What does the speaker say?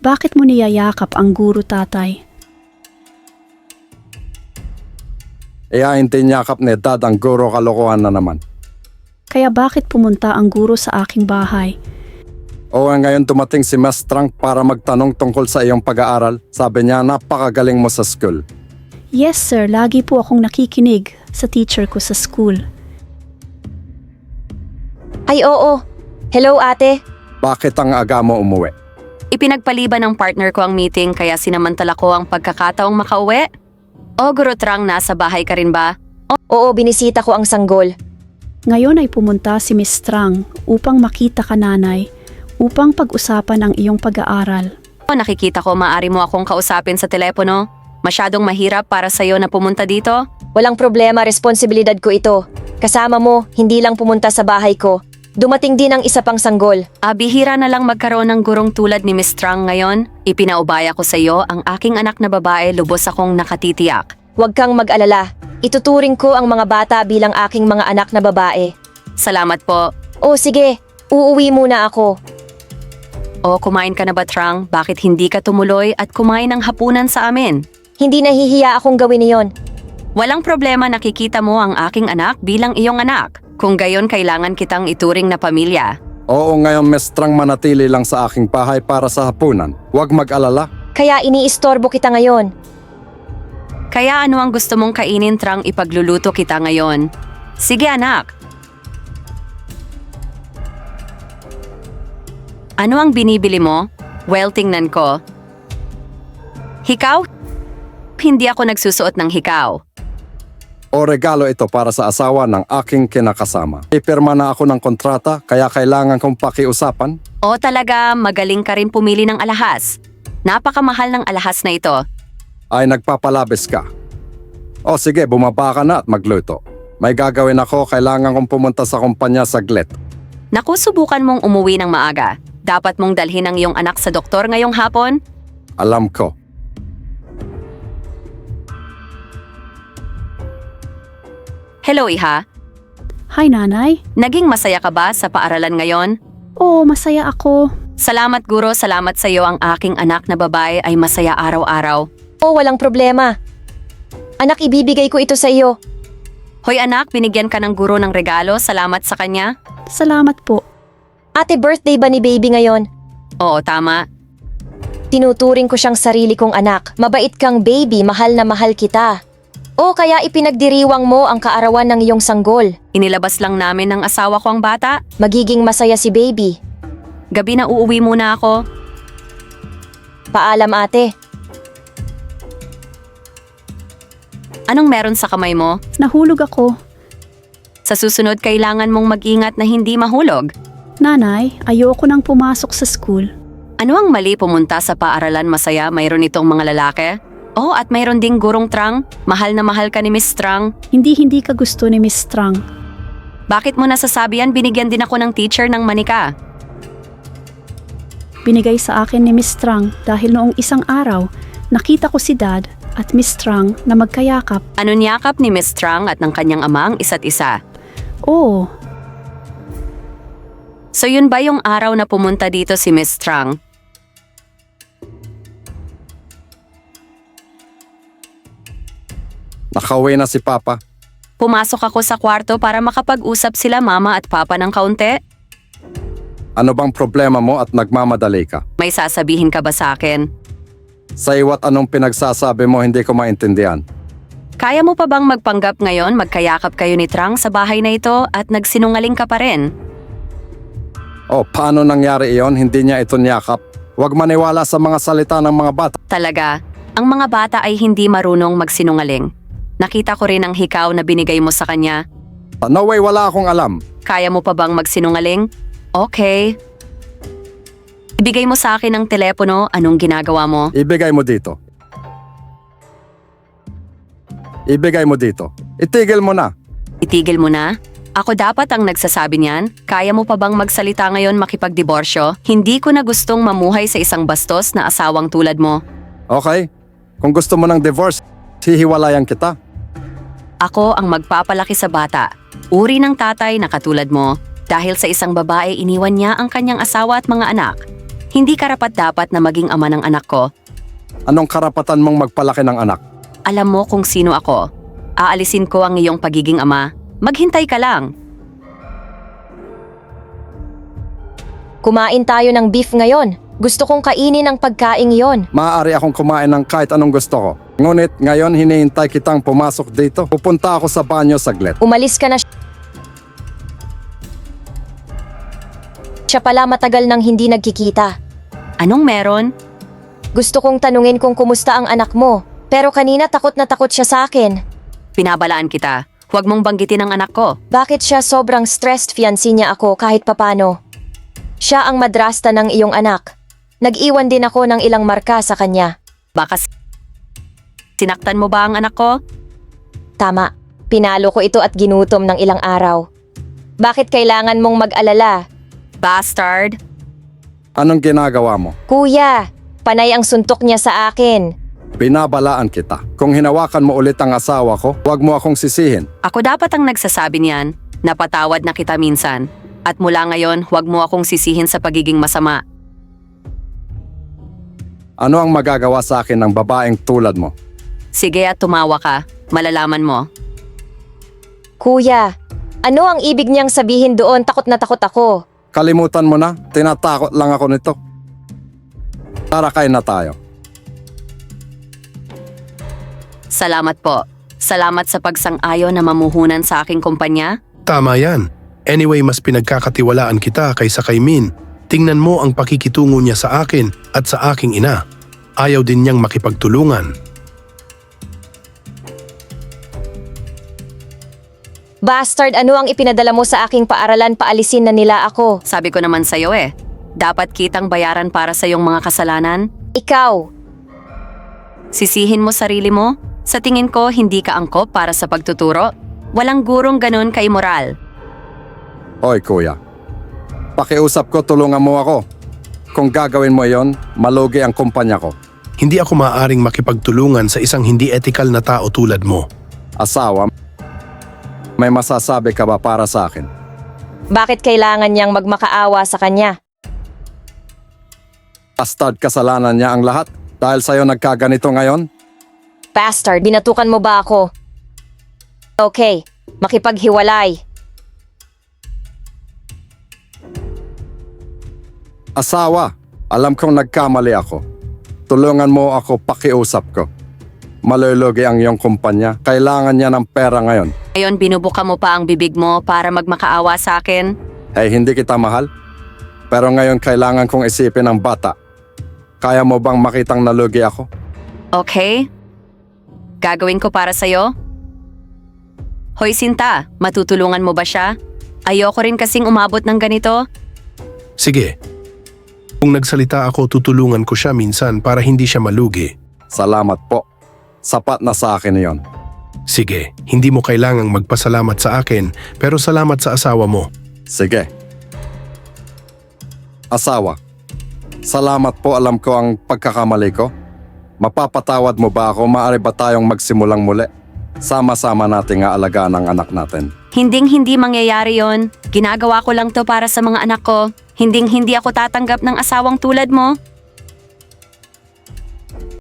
Bakit mo niyayakap ang guro, tatay? Hindi niyakap ni Dad ang guro, kalokohan na naman. Kaya bakit pumunta ang guro sa aking bahay? Oo, ngayon dumating si Miss Trang para magtanong tungkol sa iyong pag-aaral. Sabi niya, napakagaling mo sa school. Yes sir, lagi po akong nakikinig sa teacher ko sa school. Ay oo. Hello ate. Bakit ang aga mo umuwi? Ipinagpaliban ng partner ko ang meeting kaya sinamantala ko ang pagkakataong makauwi. O Guro Trang, nasa bahay ka rin ba? Oo, binisita ko ang sanggol. Ngayon ay pumunta si Miss Trang upang makita ka, nanay, upang pag-usapan ang iyong pag-aaral. O nakikita ko maaari mo akong kausapin sa telepono. Masyadong mahirap para sa'yo na pumunta dito? Walang problema, responsibilidad ko ito. Kasama mo, hindi lang pumunta sa bahay ko. Dumating din ang isa pang sanggol. Bihira na lang magkaroon ng gurong tulad ni Miss Trang ngayon. Ipinaubaya ko sa iyo ang aking anak na babae, lubos akong nakatitiyak. Huwag kang mag-alala. Ituturing ko ang mga bata bilang aking mga anak na babae. Salamat po. O sige, uuwi muna ako. O kumain ka na ba, Trang? Bakit hindi ka tumuloy at kumain ng hapunan sa amin? Hindi nahihiya akong gawin iyon. Walang problema, nakikita mo ang aking anak bilang iyong anak. Kung gayon, kailangan kitang ituring na pamilya. Oo, ngayon Miss Trang manatili lang sa aking bahay para sa hapunan. Huwag mag-alala. Kaya iniistorbo kita ngayon. Kaya ano ang gusto mong kainin, Trang? Ipagluluto kita ngayon. Sige anak. Ano ang binibili mo? Well, tingnan ko. Hikaw? Hindi ako nagsusuot ng hikaw. O regalo ito para sa asawa ng aking kinakasama. Ipirma na ako ng kontrata, kaya kailangan kong pakiusapan. O talaga, magaling ka rin pumili ng alahas. Napakamahal ng alahas na ito. Ay nagpapalabis ka. O sige, bumaba ka na at magluto. May gagawin ako, kailangan kong pumunta sa kumpanya saglit. Naku, subukan mong umuwi ng maaga. Dapat mong dalhin ang iyong anak sa doktor ngayong hapon. Alam ko. Hello, Iha. Hi, nanay. Naging masaya ka ba sa paaralan ngayon? Oo, masaya ako. Salamat, Guro. Salamat sa iyo. Ang aking anak na babae ay masaya araw-araw. O walang problema. Anak, ibibigay ko ito sa iyo. Hoy anak, binigyan ka ng guro ng regalo. Salamat sa kanya. Salamat po. Ate, birthday ba ni baby ngayon? Oo, tama. Tinuturing ko siyang sarili kong anak. Mabait kang baby, mahal na mahal kita. O kaya ipinagdiriwang mo ang kaarawan ng iyong sanggol. Inilabas lang namin ng asawa ko ang bata. Magiging masaya si baby. Gabi na uuwi muna ako. Paalam ate. Anong meron sa kamay mo? Nahulog ako. Sa susunod, kailangan mong mag-ingat na hindi mahulog. Nanay, ayoko nang pumasok sa school. Ano ang mali pumunta sa paaralan masaya? Mayroon itong mga lalaki? Oh, at mayroon ding gurong Trang. Mahal na mahal ka ni Miss Trang. Hindi ka gusto ni Miss Trang. Bakit mo nasasabi yan? Binigyan din ako ng teacher ng manika. Binigay sa akin ni Miss Trang dahil noong isang araw, nakita ko si Dad at Miss Trang na magkayakap. Ano niyakap ni Miss Trang at ng kanyang ama ang isa't isa? Oo, So yun ba yung araw na pumunta dito si Miss Trang? Nakauwi na si Papa. Pumasok ako sa kwarto para makapag-usap sila mama at papa ng kaunti. Ano bang problema mo at nagmamadali ka? May sasabihin ka ba sa akin? Sa iwa't anong pinagsasabi mo hindi ko maintindihan. Kaya mo pa bang magpanggap ngayon magkayakap kayo ni Trang sa bahay na ito at nagsinungaling ka pa rin? O paano nangyari iyon? Hindi niya ito niyakap. Huwag maniwala sa mga salita ng mga bata. Talaga, ang mga bata ay hindi marunong magsinungaling. Nakita ko rin ang hikaw na binigay mo sa kanya. No way, wala akong alam. Kaya mo pa bang magsinungaling? Okay. Ibigay mo sa akin ang telepono, anong ginagawa mo? Ibigay mo dito. Ibigay mo dito. Itigil mo na. Itigil mo na? Ako dapat ang nagsasabi niyan? Kaya mo pa bang magsalita ngayon makipagdiborsyo? Hindi ko na gustong mamuhay sa isang bastos na asawang tulad mo. Okay? Kung gusto mo ng divorce, hihiwalayan kita. Ako ang magpapalaki sa bata. Uri ng tatay na katulad mo. Dahil sa isang babae, iniwan niya ang kanyang asawa at mga anak. Hindi karapat-dapat na maging ama ng anak ko. Anong karapatan mong magpalaki ng anak? Alam mo kung sino ako. Aalisin ko ang iyong pagiging ama. Maghintay ka lang. Kumain tayo ng beef ngayon. Gusto kong kainin ang pagkaing yon. Maaari akong kumain ng kahit anong gusto ko. Ngunit ngayon hinihintay kitang pumasok dito. Pupunta ako sa banyo saglit. Umalis ka na. Siya pala matagal nang hindi nagkikita. Anong meron? Gusto kong tanungin kung kumusta ang anak mo. Pero kanina takot na takot siya sa akin. Pinabalaan kita. Huwag mong banggitin ang anak ko. Bakit siya sobrang stressed fiancé niya ako kahit papano? Siya ang madrasta ng iyong anak. Nag-iwan din ako ng ilang marka sa kanya. Baka sinaktan mo ba ang anak ko? Tama, pinalo ko ito at ginutom ng ilang araw. Bakit kailangan mong mag-alala? Bastard! Anong ginagawa mo? Kuya, panay ang suntok niya sa akin. Binabalaan kita. Kung hinawakan mo ulit ang asawa ko, huwag mo akong sisihin. Ako dapat ang nagsasabi niyan. Napatawad na kita minsan. At mula ngayon, huwag mo akong sisihin sa pagiging masama. Ano ang magagawa sa akin ng babaeng tulad mo? Sige at tumawa ka. Malalaman mo. Kuya, ano ang ibig niyang sabihin doon? Takot na takot ako. Kalimutan mo na, tinatakot lang ako nito. Tara, kain na tayo. Salamat po. Salamat sa pagsang-ayon na mamuhunan sa aking kumpanya. Tama yan. Anyway, mas pinagkakatiwalaan kita kaysa kay Min. Tingnan mo ang pakikitungo niya sa akin at sa aking ina. Ayaw din niyang makipagtulungan. Bastard, ano ang ipinadala mo sa aking paaralan? Paalisin na nila ako. Sabi ko naman sa'yo dapat kitang bayaran para sa iyong mga kasalanan. Ikaw, Sisihin mo sarili mo? Sa tingin ko, hindi ka angkop para sa pagtuturo. Walang gurong ganun ka-immoral. Hoy kuya, pakiusap ko, tulungan mo ako. Kung gagawin mo yon, malugi ang kumpanya ko. Hindi ako maaaring makipagtulungan sa isang hindi ethical na tao tulad mo. Asawa, may masasabi ka ba para sa akin? bakit kailangan niyang magmakaawa sa kanya? Bastard, kasalanan niya ang lahat. Dahil sa'yo nagkaganito ngayon? Bastard, binatukan mo ba ako? Okay, makipaghiwalay. Asawa, alam kong nagkamali ako. Tulungan mo ako, pakiusap ko. Malulugi ang iyong kumpanya. Kailangan niya ng pera ngayon. Ngayon, binubuka mo pa ang bibig mo para magmakaawa sa akin. Hey, hindi kita mahal. Pero ngayon kailangan kong isipin ang bata. Kaya mo bang makitang nalugi ako? Okay? Gagawin ko para sa'yo? Hoy Sinta, matutulungan mo ba siya? Ayoko rin kasing umabot ng ganito. Sige. Kung nagsalita ako, tutulungan ko siya minsan para hindi siya malugi. Salamat po. Sapat na sa akin iyon. Sige, hindi mo kailangang magpasalamat sa akin, pero salamat sa asawa mo. Sige. Asawa, salamat po, alam ko ang pagkakamali ko. Mapapatawad mo ba ako? Maaari ba tayong magsimulang muli? Sama-sama nating aalagaan ang anak natin. Hinding-hindi mangyayari yon. Ginagawa ko lang to para sa mga anak ko. Hinding-hindi ako tatanggap ng asawang tulad mo.